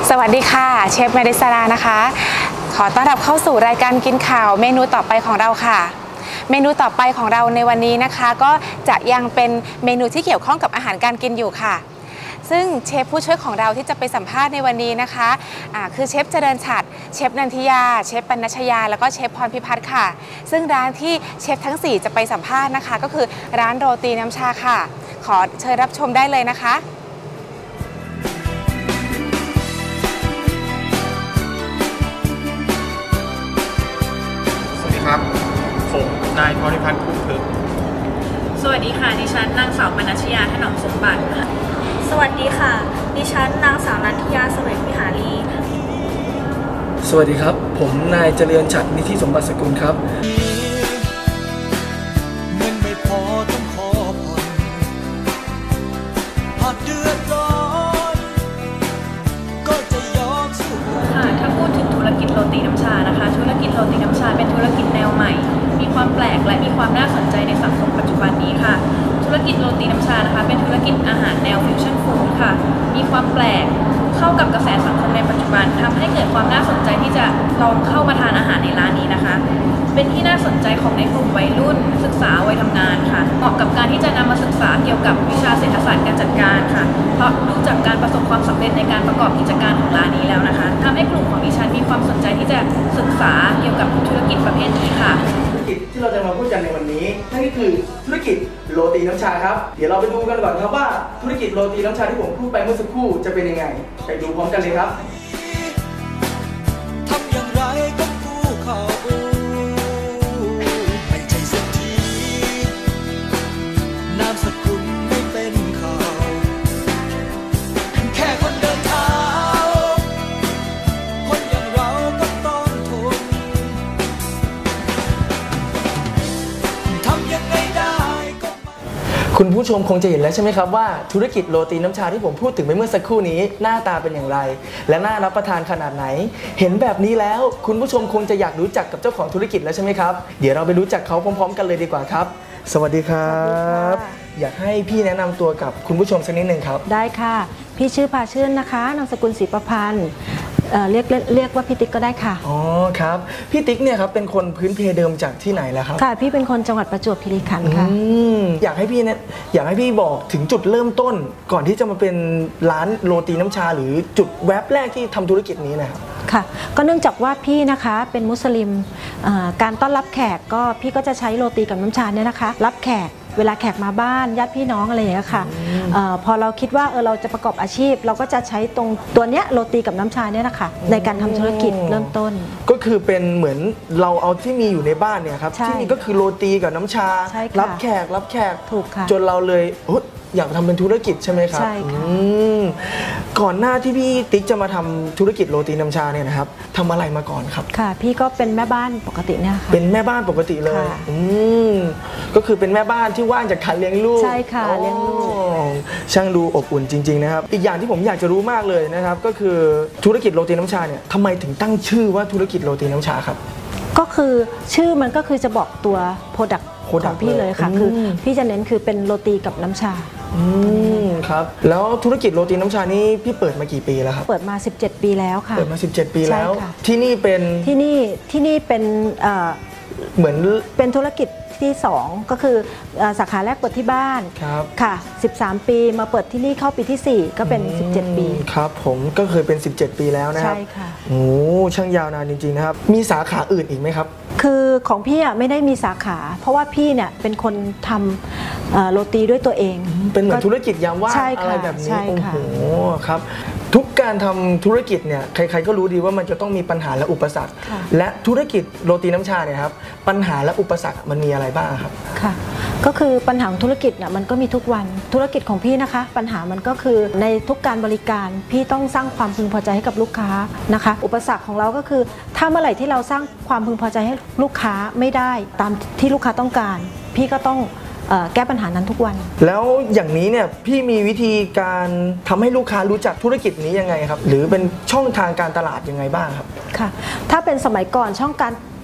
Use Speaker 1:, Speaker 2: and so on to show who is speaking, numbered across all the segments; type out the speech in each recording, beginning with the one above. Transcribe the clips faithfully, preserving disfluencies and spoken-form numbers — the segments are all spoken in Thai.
Speaker 1: สวัสดีค่ะเชฟเมดิสรานะคะขอต้อนรับเข้าสู่รายการกินข่าวเมนูต่อไปของเราค่ะเมนูต่อไปของเราในวันนี้นะคะก็จะยังเป็นเมนูที่เกี่ยวข้องกับอาหารการกินอยู่ค่ะซึ่งเชฟผู้ช่วยของเราที่จะไปสัมภาษณ์ในวันนี้นะคะะคือเชฟเจริญฉัตรเชฟนันทิยาเชฟปนัชยาแล้วก็เชฟพรพิพัฒน์ค่ะซึ่งร้านที่เชฟทั้งสี่จะไปสัมภาษณ์นะคะก็คือร้านโรตีน้ำชาค่ะขอเชิญรับชมได้เลยนะคะ
Speaker 2: ครับผมนายพรพิพัฒน์คุ้มพึก
Speaker 3: สวัสดีค่ะดิฉันนางสาวปนัชยาถนอมสมบัติ
Speaker 4: สวัสดีค่ะดิฉันนางสาวนันทิยาเสวกวิหารี
Speaker 5: สวัสดีครับผมนายเจริญฉัตรนิธิสมบัติสกุลครับ
Speaker 6: เงินไม่พอต้องขอผ่อนหากเดือดร้อนก็จะยอมสู้
Speaker 3: ค่ะถ้าพูดถึงธุรกิจโรตีน้ำชานะคะธุรกิจโรตีน้ำชาเป็นธุรกิจแนวใหม่มีความแปลกและมีความน่าสนใจในสังคมปัจจุบันนี้ค่ะธุรกิจโรตีน้ำชานะคะเป็นธุรกิจอาหารแนวฟิวชั่นฟู้ดค่ะมีความแปลกเข้ากับกระแสสังคมในปัจจุบันทำให้เกิดความน่าสนใจที่จะลองเข้ามาทานอาหารในร้านนี้นะคะเป็นที่น่าสนใจของในกลุ่มวัยรุ่นศึกษาวัยทำงานค่ะเหมาะกับการที่จะนำมาศึกษาเกี่ยวกับวิชาเศรษฐศาสตร์การจัดการค่ะเพราะดูจากการประสบความสำเร็จในการประกอบกิจการของร้านนี้แล้วนะคะทำให้กลุ่มของดิฉันมีความสนใจที่จะศึกษาเกี่ยวกับธุรกิจประเภทนี้ค่ะ
Speaker 5: ธุรกิจที่เราจะมาพูดกันในวันนี้นั่นก็คือธุรกิจโรตีน้ำชาครับเดี๋ยวเราไปดูกันก่อนครับว่าธุรกิจโรตีน้ำชาที่ผมพูดไปเมื่อสักครู่จะเป็นยังไงไปดูพร้อมกันเลยครับ
Speaker 6: ทำอย่างไรก็กู้เขาไม่ใช่เศรษฐีนามสกุลไม่เป็นข่าวแค่คนเดินเท้าคนอย่างเราก็ต้องทนทำยังไงได้ก็
Speaker 5: คุณผู้ชมคงจะเห็นแล้วใช่ไหมครับว่าธุรกิจโรตีน้ำชาที่ผมพูดถึงไปเมื่อสักครู่นี้หน้าตาเป็นอย่างไรและน่ารับประทานขนาดไหนเห็นแบบนี้แล้วคุณผู้ชมคงจะอยากรู้จักกับเจ้าของธุรกิจแล้วใช่ไหมครับเดี๋ยวเราไปรู้จักเขาพร้อมๆกันเลยดีกว่าครับสวัสดีครับอยากให้พี่แนะนำตัวกับคุณผู้ชมสักนิดหนึ่งครับ
Speaker 7: ได้ค่ะพี่ชื่อพาชื่นนะคะนามสกุลศรีประพันธ์เรียกเรียกว่าพี่ติ๊กก็ได้ค่ะ
Speaker 5: อ๋อครับพี่ติ๊กเนี่ยครับเป็นคนพื้นเพเดิมจากที่ไหนแล้วครับ
Speaker 7: ค่ะพี่เป็นคนจังหวัดประจวบคีรีขันธ์ค่ะ
Speaker 5: อยากให้พี่เนี่ยอยากให้พี่บอกถึงจุดเริ่มต้นก่อนที่จะมาเป็นร้านโรตีน้ำชาหรือจุดแวบแรกที่ทำธุรกิจนี้นะครับ
Speaker 7: ค่ะก็เนื่องจากว่าพี่นะคะเป็นมุสลิมการต้อนรับแขกก็พี่ก็จะใช้โรตีกับน้ำชาเนี่ยนะคะรับแขกเวลาแขกมาบ้านญาติพี่น้องอะไรอย่างเงี้ยค่ะอพอเราคิดว่าเออเราจะประกอบอาชีพเราก็จะใช้ตรงตัวเนี้ยโรตีกับน้ำชาเนี่ยนะคะในการทำธุรกิจเริ่มต้น
Speaker 5: ก็คือเป็นเหมือนเราเอาที่มีอยู่ในบ้านเนี่ยครับที่มีก็คือโรตีกับน้ำชารับแขกรับแขก
Speaker 7: ถูกค่ะ
Speaker 5: จนเราเลยอยากทำเป็นธุรกิจใช่ไหมครับ
Speaker 7: ใช่ค่ะ
Speaker 5: ก่อนหน้าที่พี่ติ๊กจะมาทำธุรกิจโรตีน้ำชาเนี่ยนะครับทำอะไรมาก่อนครับ
Speaker 7: ค่ะพี่ก็เป็นแม่บ้านปกติเนี่ยค่ะ
Speaker 5: เป็นแม่บ้านปกติเลยอืมก็คือเป็นแม่บ้านที่ว่างจากการเลี้ยงลูก
Speaker 7: ใช่ค่ะเลี้ยงลูก
Speaker 5: ช่างดูอบอุ่นจริงๆนะครับอีกอย่างที่ผมอยากจะรู้มากเลยนะครับก็คือธุรกิจโรตีน้ำชาเนี่ยทำไมถึงตั้งชื่อว่าธุรกิจโรตีน้ำชาครับ
Speaker 7: ก็คือชื่อมันก็คือจะบอกตัวโปรดักต์ของพี่เลยค่ะคือพี่จะเน้นคือเป็นโรตีกับน้ำชา
Speaker 5: อืมครับแล้วธุรกิจโรตีน้ำชานี่พี่เปิดมากี่ปีแล้วครับ
Speaker 7: เปิดมาสิบเจ็ดปีแล้วค่ะ
Speaker 5: เปิดมาสิบเจ็ดปีแล้วที่นี่เป็น
Speaker 7: ที่นี่ที่นี่เป็น
Speaker 5: เหมือน
Speaker 7: เป็นธุรกิจที่สองก็คือสาขาแรกเปิดที่บ้านค่ะสิบสามปีมาเปิดที่นี่เข้าปีที่สี่ก็เป็นสิบเจ็ดปี
Speaker 5: ครับผมก็เคยเป็นสิบเจ็ดปีแล้วนะครับ
Speaker 7: ใช่ค่ะ
Speaker 5: โอ้ช่างยาวนานจริงๆนะครับมีสาขาอื่นอีกไหมครับ
Speaker 7: คือของพี่อ่ะไม่ได้มีสาขาเพราะว่าพี่เนี่ยเป็นคนทำโรตีด้วยตัวเอง
Speaker 5: เป็นเหมือนธุรกิจยามว่างอะไรแบบนี้โอ้โหครับทุกการทำธุรกิจเนี่ยใครๆก็รู้ดีว่ามันจะต้องมีปัญหาและอุปสรรคและธุรกิจโรตีน้ำชาเนี่ยครับปัญหาและอุปสรรคมันมีอะไรบ้างครับ
Speaker 7: ค่ะก็คือปัญหาธุรกิจเนี่ยมันก็มีทุกวันธุรกิจของพี่นะคะปัญหามันก็คือในทุกการบริการพี่ต้องสร้างความพึงพอใจให้กับลูกค้านะคะอุปสรรคของเราก็คือถ้าเมื่อไหร่ที่เราสร้างความพึงพอใจให้ลูกค้าไม่ได้ตามที่ลูกค้าต้องการพี่ก็ต้องแก้ปัญหานั้นทุกวัน
Speaker 5: แล้วอย่างนี้เนี่ยพี่มีวิธีการทำให้ลูกค้ารู้จักธุรกิจนี้ยังไงครับหรือเป็นช่องทางการตลาดยังไงบ้างครับ
Speaker 7: ค่ะถ้าเป็นสมัยก่อนช่องการ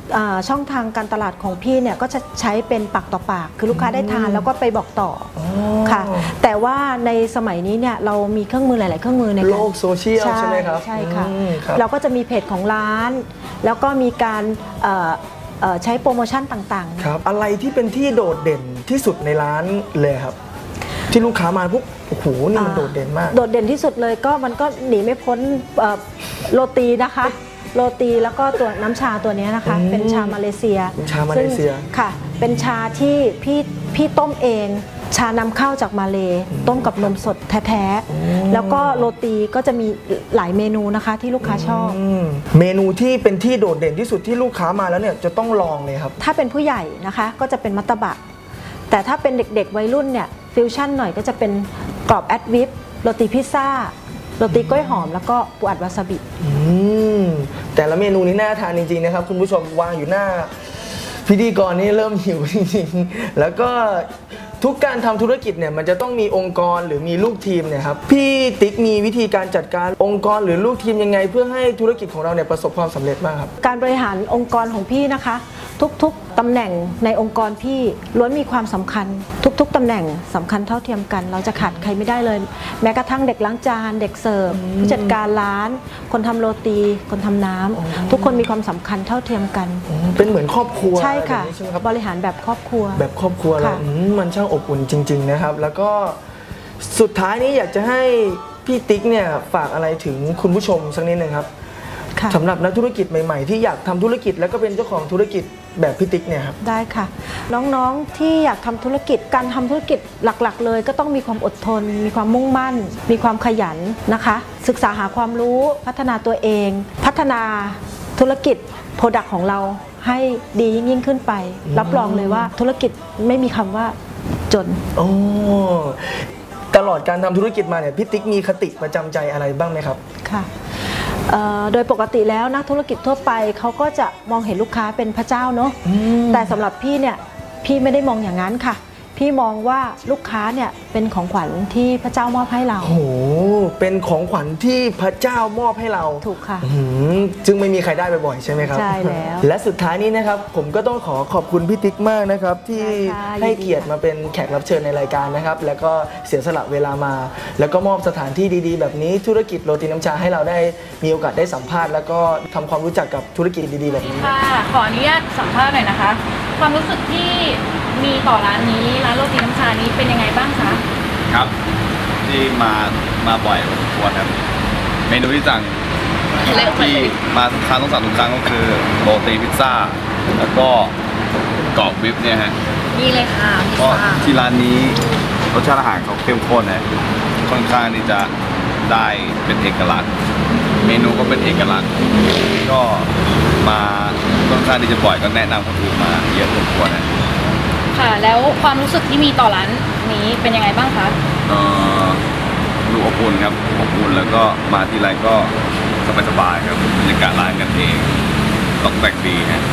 Speaker 7: อ่าช่องทางการตลาดของพี่เนี่ยก็จะใช้เป็นปากต่อปากคือลูกค้าได้ทานแล้วก็ไปบอกต่ออค่ะแต่ว่าในสมัยนี้เนี่ยเรามีเครื่องมือหลาย ๆ เครื่องมือใน
Speaker 5: โลกโซเชียลใช่ไหมครับ
Speaker 7: ใช่ค่ะ
Speaker 5: อืมครับ
Speaker 7: เราก็จะมีเพจของร้าน แล้วก็มีการเอ่อเอ่อใช้โปรโมชั่นต่างๆ
Speaker 5: ครับอะไรที่เป็นที่โดดเด่นที่สุดในร้านเลยครับ ที่ลูกค้ามาปุ๊บโอ้โหนี่มันโดดเด่นมาก
Speaker 7: โดดเด่นที่สุดเลยก็มันก็หนีไม่พ้นเอ่อโรตีนะคะ โรตีแล้วก็ตัวน้ำชาตัวนี้นะคะ
Speaker 5: อืม
Speaker 7: เป็นชามาเลเซีย
Speaker 5: เป็นชามาเลเซีย
Speaker 7: ซึ่งค่ะ เป็นชาที่พี่พี่ต้มเอง ชานำเข้าจากมาเลต้มกับนมสดแท้ๆแล้วก็โรตีก็จะมีหลายเมนูนะคะที่ลูกค้าชอบ
Speaker 5: อืมเมนูที่เป็นที่โดดเด่นที่สุดที่ลูกค้ามาแล้วเนี่ยจะต้องลองเลยครับ
Speaker 7: ถ้าเป็นผู้ใหญ่นะคะก็จะเป็นมัตตบะแต่ถ้าเป็นเด็กๆวัยรุ่นเนี่ยฟิวชั่นหน่อยก็จะเป็นกรอบแอดวิปโรตีพิซซ่าโรตีกล้วยหอมแล้วก็ปูอัดวาซาบิ
Speaker 5: อืมแต่ละเมนูนี้น่าทานจริงๆนะครับคุณผู้ชมวางอยู่หน้าพิธีกรนี่เริ่มหิวจริงๆแล้วก็ทุกการทำธุรกิจเนี่ยมันจะต้องมีองค์กรหรือมีลูกทีมเนี่ยครับพี่ติ๊กมีวิธีการจัดการองค์กรหรือลูกทีมยังไงเพื่อให้ธุรกิจของเราเนี่ยประสบความสำเร็จบ้างครับ
Speaker 7: การบริหารองค์กรของพี่นะคะ ทุกๆตำแหน่งในองค์กรพี่ล้วนมีความสำคัญ ทุกๆตำแหน่งสำคัญเท่าเทียมกัน เราจะขาดใครไม่ได้เลย แม้กระทั่งเด็กล้างจานเด็กเสิร์ฟผู้จัดการร้าน คนทำโรตี คนทำน้ำทุกคนมีความสำคัญเท่าเทียมกัน
Speaker 5: เป็นเหมือนครอบครัว
Speaker 7: ใช่ค่ะ
Speaker 5: แบบนี้ใช่ไหมครับ
Speaker 7: บริหารแบบครอบครัว
Speaker 5: แบบครอบครัวเลย
Speaker 7: ค่ะ
Speaker 5: อืมมันช่างอบอุ่นจริงๆนะครับแล้วก็สุดท้ายนี้อยากจะให้พี่ติ๊กเนี่ยฝากอะไรถึงคุณผู้ชมสักนิดนึงครับ
Speaker 7: ค่ะ
Speaker 5: สำหรับนักธุรกิจใหม่ๆที่อยากทำธุรกิจแล้วก็เป็นเจ้าของธุรกิจแบบพี่ติ๊กเนี่ยครับ
Speaker 7: ได้ค่ะ น้องๆที่อยากทำธุรกิจการทำธุรกิจหลักๆ เลยก็ต้องมีความอดทน มีความมุ่งมั่น มีความขยันนะคะ ศึกษาหาความรู้พัฒนาตัวเอง พัฒนาธุรกิจโปรดักต์ของเราให้ดียิ่งยิ่งขึ้นไป รับรองเลยว่าธุรกิจไม่มีคำว่าจน
Speaker 5: โอ้ตลอดการทำธุรกิจมาเนี่ยพี่ติ๊กมีคติประจำใจอะไรบ้างไหมครับ
Speaker 7: ค่ะเอ่อโดยปกติแล้วนักธุรกิจทั่วไปเขาก็จะมองเห็นลูกค้าเป็นพระเจ้าเนาะแต่สำหรับพี่เนี่ยพี่ไม่ได้มองอย่างนั้นค่ะ พี่มองว่าลูกค้าเนี่ยเป็นของขวัญที่พระเจ้ามอบให้เรา
Speaker 5: โอ้โหเป็นของขวัญที่พระเจ้ามอบให้เรา
Speaker 7: ถูกค่ะ
Speaker 5: อื้อหือซึ่งไม่มีใครได้บ่อยๆใช่ไหมครับ
Speaker 7: ใช่แล้ว
Speaker 5: และสุดท้ายนี้นะครับผมก็ต้องขอขอบคุณพี่ติ๊กมากนะครับที่
Speaker 7: ได้ค่ะ
Speaker 5: ให้
Speaker 7: ยินดี
Speaker 5: เกียรติมาเป็นแขกรับเชิญในรายการนะครับแล้วก็เสียสละเวลามา แล้วก็มอบสถานที่ดีๆ แบบนี้ธุรกิจโรตีน้ำชาให้เราได้มีโอกาสได้สัมภาษณ์แล้วก็ทำความรู้จักกับธุรกิจดีๆแบบนี้
Speaker 3: ค่ะขออนุญาตสัมภาษณ์หน่อยนะคะ ความรู้สึกที่มีต่อร้านนี้ร้านโรตีน้ำชานี้เป็นยังไงบ้างคะ
Speaker 8: ครับที่มามาบ่อยพอสมควรครับเมนูที่สั่งที่มาทุกครั้งต้องสั่งทุกครั้งก็คือโรตีพิซซ่า แล้วก็กรอบวิปเนี่ยฮะ
Speaker 3: นี่เลยค่ะพิซ
Speaker 8: ก็
Speaker 3: ซ่า
Speaker 8: ที่ร้านนี้รสชาติอาหารเขาเข้มข้นนะค่อนข้างที่จะได้เป็นเอกลักษณ์ เมนูก็เป็นเอกลักษณ์ ก็มาค่อนข้างที่จะบ่อยก็แนะนำคนอื่นมาเยอะพอสมควรนะ
Speaker 3: ค่ะ แล้วความรู้สึกที่มีต่อร้านนี้เป็นยังไงบ้างคะ
Speaker 8: เอ่อดูอบอุ่นครับอบอุ่นแล้วก็มาทีไรก็สบายๆครับบรรยากาศร้านกันเองตกแต่งดีฮะ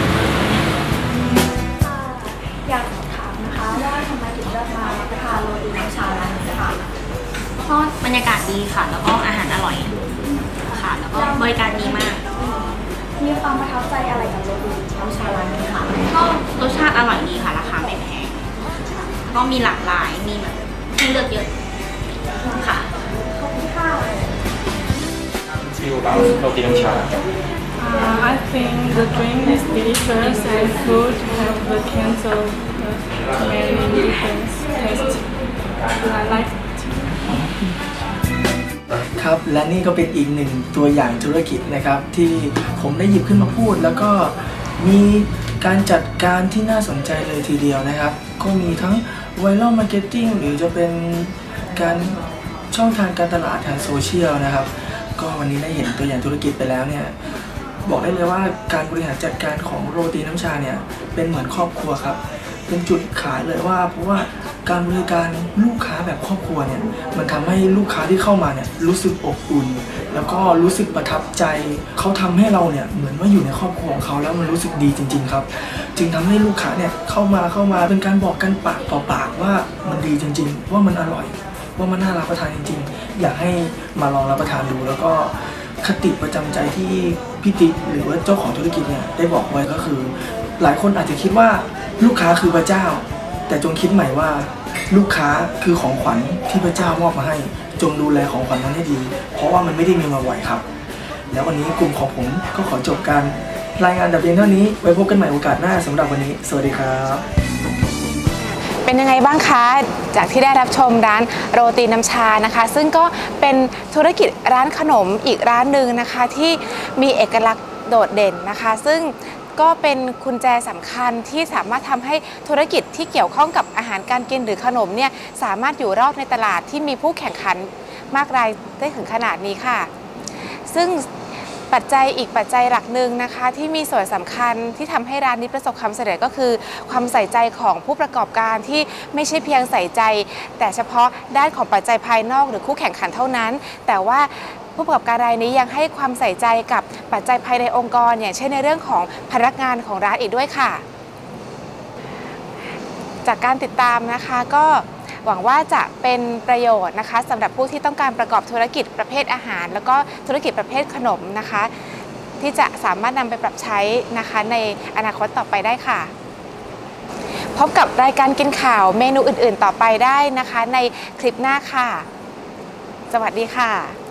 Speaker 4: อยากถามนะคะว่าทำไมถึงเลือกมารับประทานโรตีน้ำชาร้านนี้ค่ะ
Speaker 9: เพราะบรรยากาศดีค่ะ แล้วก็อาหารอร่อยค่ะ แล้วก็บริการดีมาก
Speaker 4: มีความประทับใจอะไรกับโรตีน้ำชาร้านนี้ค่ะ
Speaker 9: ก็รสชาติอร่อยดีค่ะ ราคาไม่แพงก็มีหลากหลายมีแบบให้เลือกเยอะค่ะ
Speaker 4: ขอบคุณค่ะ
Speaker 2: feel about โรตีน้ำชา
Speaker 10: Uh, I think the drink is delicious and food have the kinds of uh, many different taste. I like it.
Speaker 5: ครับและนี่ก็เป็นอีกหนึ่งตัวอย่างธุรกิจนะครับที่ผมได้หยิบขึ้นมาพูด แล้วก็มีการจัดการที่น่าสนใจเลยทีเดียวนะครับก็มีทั้งไวรัลมาร์เก็ตติ้งหรือจะเป็นการช่องทางการตลาดทางโซเชียลนะครับก็วันนี้ได้เห็นตัวอย่างธุรกิจไปแล้วเนี่ยบอกได้เลยว่าการบริหารจัดการของโรตีน้ำชาเนี่ยเป็นเหมือนครอบครัวครับเป็นจุดขายเลยว่าเพราะว่าการบริการลูกค้าแบบครอบครัวเนี่ยมันทำให้ลูกค้าที่เข้ามาเนี่ยรู้สึกอบอุ่นแล้วก็รู้สึกประทับใจเขาทำให้เราเนี่ยเหมือนว่าอยู่ในครอบครัวของเขาแล้วมันรู้สึกดีจริงๆครับจึงทำให้ลูกค้าเนี่ยเข้ามาเข้ามาเป็นการบอกกันปากต่อปากว่ามันดีจริงๆว่ามันอร่อยว่ามันน่ารับประทานจริงๆอยากให้มาลองรับประทานดูแล้วก็คติประจำใจที่พี่ติ๊กหรือว่าเจ้าของธุรกิจเนี่ยได้บอกไว้ก็คือ หลายคนอาจจะคิดว่าลูกค้าคือพระเจ้า แต่จงคิดใหม่ว่าลูกค้าคือของขวัญที่พระเจ้ามอบมาให้จงดูแลของขวัญนั้นให้ดีเพราะว่ามันไม่ได้มีมาบ่อยครับแล้ววันนี้กลุ่มของผมก็ขอจบการรายงานแต่เพียงเท่านี้ไว้พบกันใหม่โอกาสหน้าสำหรับวันนี้สวัสดีครับ
Speaker 1: เป็นยังไงบ้างคะจากที่ได้รับชมร้านโรตีน้ำชานะคะซึ่งก็เป็นธุรกิจร้านขนมอีกร้านหนึ่งนะคะที่มีเอกลักษณ์โดดเด่นนะคะซึ่งก็เป็นกุญแจสำคัญที่สามารถทำให้ธุรกิจที่เกี่ยวข้องกับอาหารการกินหรือขนมเนี่ยสามารถอยู่รอดในตลาดที่มีผู้แข่งขันมากรายได้ถึงขนาดนี้ค่ะซึ่งปัจจัยอีกปัจจัยหลักหนึ่งนะคะที่มีส่วนสำคัญที่ทำให้ร้านนี้ประสบความสำเร็จก็คือความใส่ใจของผู้ประกอบการที่ไม่ใช่เพียงใส่ใจแต่เฉพาะด้านของปัจจัยภายนอกหรือคู่แข่งขันเท่านั้นแต่ว่าผู้ประกอบการรายนี้ยังให้ความใส่ใจกับปัจจัยภายในองค์กรอย่างเช่นในเรื่องของพนักงานของร้านอีกด้วยค่ะจากการติดตามนะคะก็หวังว่าจะเป็นประโยชน์นะคะสำหรับผู้ที่ต้องการประกอบธุรกิจประเภทอาหารแล้วก็ธุรกิจประเภทขนมนะคะที่จะสามารถนำไปปรับใช้นะคะในอนาคตต่อไปได้ค่ะพบกับรายการกินข่าวเมนูอื่นๆต่อไปได้นะคะในคลิปหน้าค่ะสวัสดีค่ะ